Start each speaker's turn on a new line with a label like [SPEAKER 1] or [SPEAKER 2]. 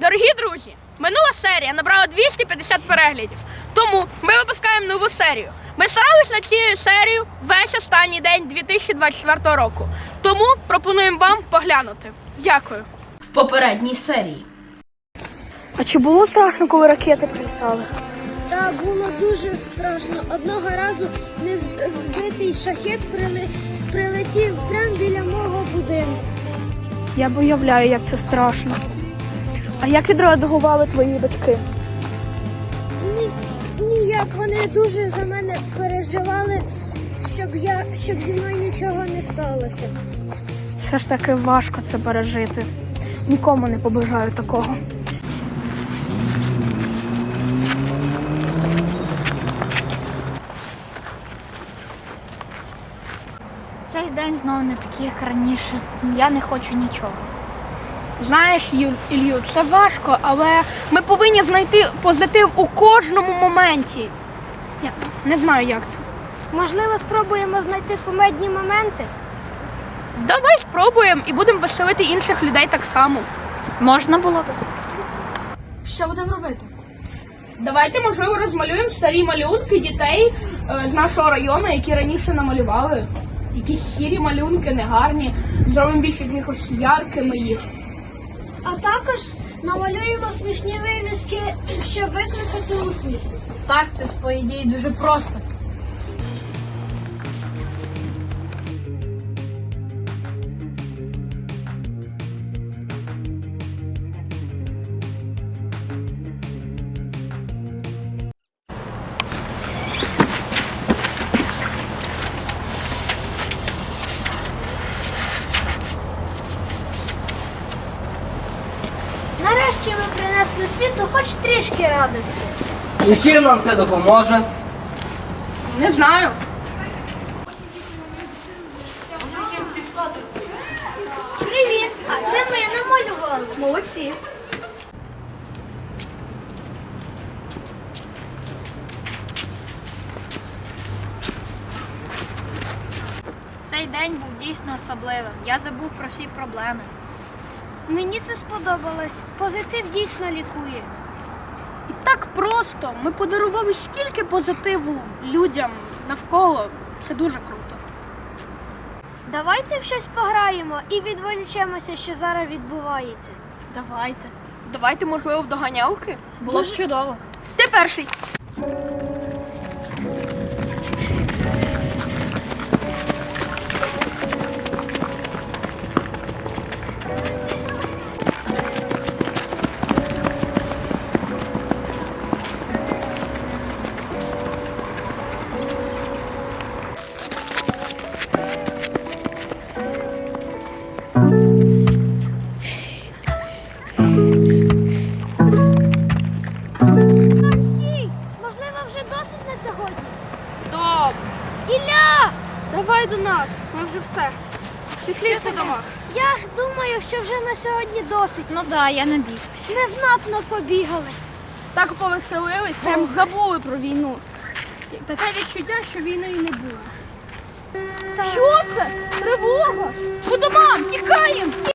[SPEAKER 1] Дорогі друзі, минула серія набрала 250 переглядів, тому ми випускаємо нову серію. Ми старалися над цією серією весь останній день 2024 року, тому пропонуємо вам поглянути. Дякую. В попередній серії.
[SPEAKER 2] А чи було страшно, коли ракети прилітали?
[SPEAKER 3] Так, було дуже страшно. Одного разу збитий шахет прилетів прямо біля мого будинку.
[SPEAKER 2] Я уявляю, як це страшно. А як відреагували твої батьки?
[SPEAKER 3] Ніяк, вони дуже за мене переживали, щоб зі мною нічого не сталося.
[SPEAKER 2] Все ж таки важко це пережити. Нікому не побажаю такого.
[SPEAKER 4] Цей день знову не такий, як раніше. Я не хочу нічого.
[SPEAKER 1] Знаєш, Ілью, це важко, але ми повинні знайти позитив у кожному моменті. Я не знаю, як це.
[SPEAKER 3] Можливо, спробуємо знайти кумедні моменти?
[SPEAKER 1] Давай спробуємо і будемо веселити інших людей так само.
[SPEAKER 4] Можна було б?
[SPEAKER 1] Що будемо робити? Давайте, можливо, розмалюємо старі малюнки дітей з нашого району, які раніше намалювали. Якісь сірі малюнки, негарні. Зробимо більш якихось яркими їх.
[SPEAKER 3] А також намалюємо смішні вивіски, щоб викликати усміх.
[SPEAKER 4] Так, це по ідеї дуже просто.
[SPEAKER 3] Нарешті ми принесли світу хоч трішки радості.
[SPEAKER 5] І чим нам це допоможе?
[SPEAKER 1] Не знаю.
[SPEAKER 3] Привіт! А це ми намалювали. Молодці.
[SPEAKER 4] Цей день був дійсно особливим. Я забув про всі проблеми.
[SPEAKER 3] Мені це сподобалось. Позитив дійсно лікує.
[SPEAKER 1] І так просто. Ми подарували стільки позитиву людям навколо. Це дуже круто.
[SPEAKER 3] Давайте в щось пограємо і відволічемося, що зараз відбувається.
[SPEAKER 4] Давайте.
[SPEAKER 1] Давайте, можливо, в доганялки.
[SPEAKER 4] Було б чудово.
[SPEAKER 1] Ти перший.
[SPEAKER 3] Стій! Можливо, вже досить на сьогодні.
[SPEAKER 1] Добре.
[SPEAKER 3] Ілля!
[SPEAKER 1] Давай до нас. Ми вже все. Піхлі по домах.
[SPEAKER 3] Я думаю, що вже на сьогодні досить.
[SPEAKER 4] Ну да, я набіг.
[SPEAKER 3] Ми знатно побігали.
[SPEAKER 1] Так повеселились, прям забули про війну. Таке відчуття, що війни і не було. Що це? Тривога! По домам! Тікаємо!